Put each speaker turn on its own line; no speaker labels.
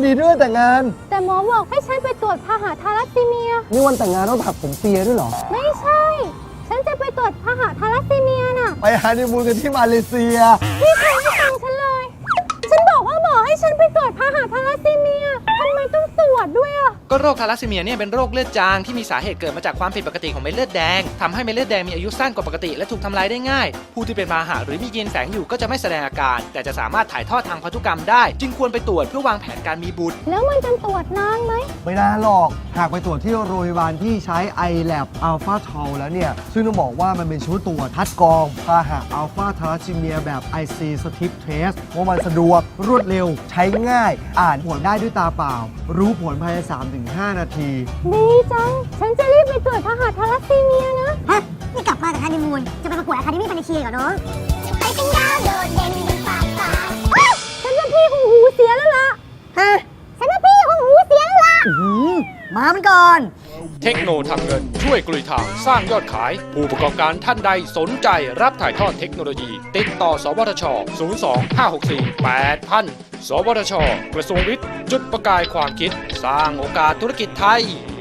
ดีด้วยแต่งงาน
แต่หมอบอกให้ฉันไปตรวจพาหะทาลัสซีเมีย
นี่วันแต่งงานต้องถักผมเปียด้วยเหรอ
ไม่ใช่ ฉันจะไปตรวจพาหะทาลัสซีเมียน่ะ
ไปฮันนีมูนกันที่มาเลเซีย
พี่เคยให้ตังค์ฉันเลย ฉันบอกว่าหมอให้ฉันไปตรวจพาหะทาลัสซีเมียทำไมต้องตรวจด้วยอ่ะ
ก็โรคทาลัสซีเมียเนี่ยเป็นโรคเลือดจางที่มีสาเหตุเกิดมาจากความผิดปกติของเม็ดเลือดแดงทำให้เม็ดเลือดแดงมีอายุสั้นกว่าปกติและถูกทำลายได้ง่ายผู้ที่เป็นพาหะหรือมียีนแฝงอยู่ก็จะไม่แสดงอาการแต่จะสามารถถ่ายทอดทางพันธุกรรมได้จึงควรไปตรวจเพื่อวางแผนการมีบุตร
แล้วมันจะตรวจนานไหม
ไม่นานหรอกหากไปตรวจที่โรงพยาบาลที่ใช้ iLab Alpha Tau แล้วเนี่ยซึ่งต้องบอกว่ามันเป็นชุดตรวจคัดกรองพาหะอัลฟาทาลัสซีเมียแบบ IC Strip Test ว่ามันสะดวกรวดเร็วใช้ง่ายอ่านผลได้ด้วยตาเปล่ารู้ผลภายใน 3-5 นาที
ดีจังฉันจะรีบไปตรวจพาหะทาลัสซีเมียนะ
ฮะนี่กลับมาจากฮันนีมูนจะไปประกวดอะคาเดมี่พันธุ์เชียร์เหรอน้องไปเป็นดาวโดดเด่นบนฟ้า
ฉันว่าพี่คงหูเสียแล้วล่ะ
ฮะฉันว่าพี่คงหูเสียแล้วล่ะมามันก่อน
เทคโนทำเงินช่วยกลุยทางสร้างยอดขายผู้ประกอบการท่านใดสนใจรับถ่ายทอดเทคโนโลยีติดต่อสวทช 02-564-8000 สวทช กระทรวงวิทย์จุดประกายความคิดสร้างโอกาสธุรกิจไทย